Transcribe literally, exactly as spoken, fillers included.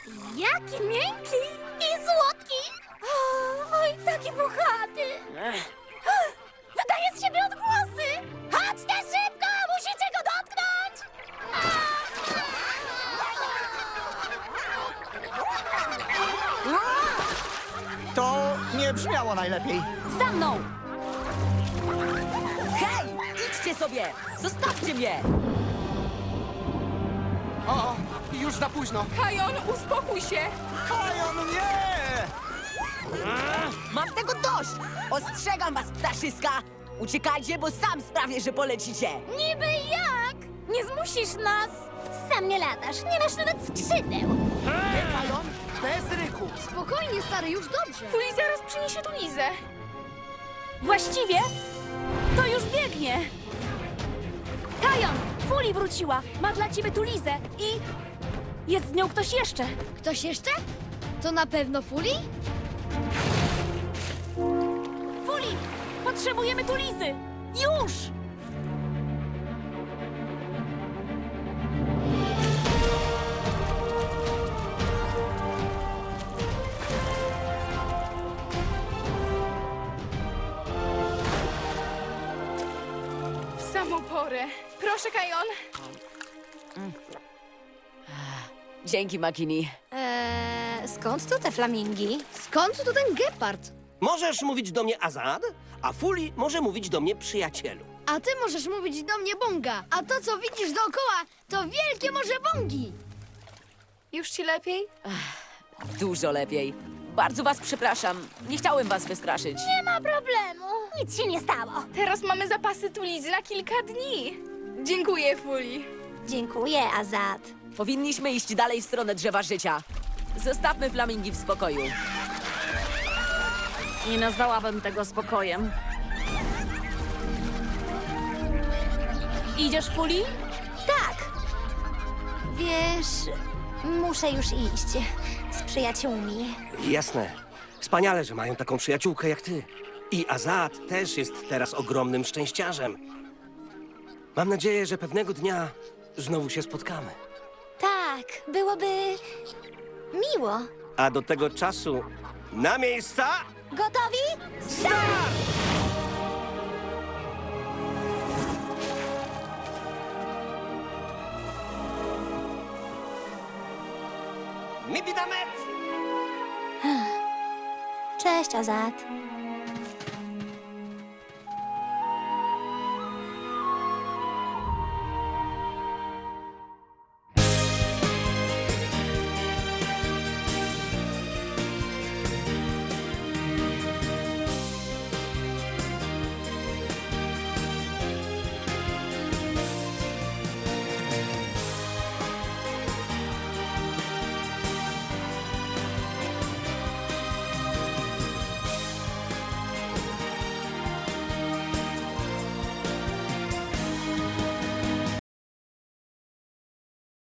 Jaki miękki i słodki! O, oj, taki puchaty! Wydaje z siebie odgłosy! Chodźcie szybko! Musicie go dotknąć! To nie brzmiało najlepiej. Za mną! Hej! Idźcie sobie! Zostawcie mnie! O, już za późno. Kajon, uspokój się! Kajon, nie! Mam tego dość! Ostrzegam was, ptaszyska! Uciekajcie, bo sam sprawię, że polecicie! Niby jak? Nie zmusisz nas! Sam nie latasz, nie masz nawet skrzydeł! Kajon, bez ryku. Spokojnie, stary, już dobrze. Fuli zaraz przyniesie tu Lizę. Właściwie to już biegnie. Kajon, Fuli wróciła. Ma dla ciebie tu Lizę i jest z nią ktoś jeszcze. Ktoś jeszcze? To na pewno Fuli? Fuli, potrzebujemy tu Lizy. Już! W samą porę. Proszę, Kajon. Dzięki, Makini. Eee, skąd tu te flamingi? Skąd tu ten gepard? Możesz mówić do mnie Azad, a Fuli może mówić do mnie przyjacielu. A ty możesz mówić do mnie Bonga. A to, co widzisz dookoła, to wielkie morze Bongi. Już ci lepiej? Dużo lepiej. Bardzo was przepraszam. Nie chciałem was wystraszyć. Nie ma problemu. Nic się nie stało. Teraz mamy zapasy tu Lizy na kilka dni. Dziękuję, Fuli. Dziękuję, Azad. Powinniśmy iść dalej w stronę drzewa życia. Zostawmy flamingi w spokoju. Nie nazwałabym tego spokojem. Idziesz, Fuli? Tak. Wiesz, muszę już iść z przyjaciółmi. Jasne. Wspaniale, że mają taką przyjaciółkę jak ty. I Azad też jest teraz ogromnym szczęściarzem. Mam nadzieję, że pewnego dnia znowu się spotkamy. Tak, byłoby miło. A do tego czasu na miejsca! Gotowi? Start! Mibidamet! Cześć, Azad.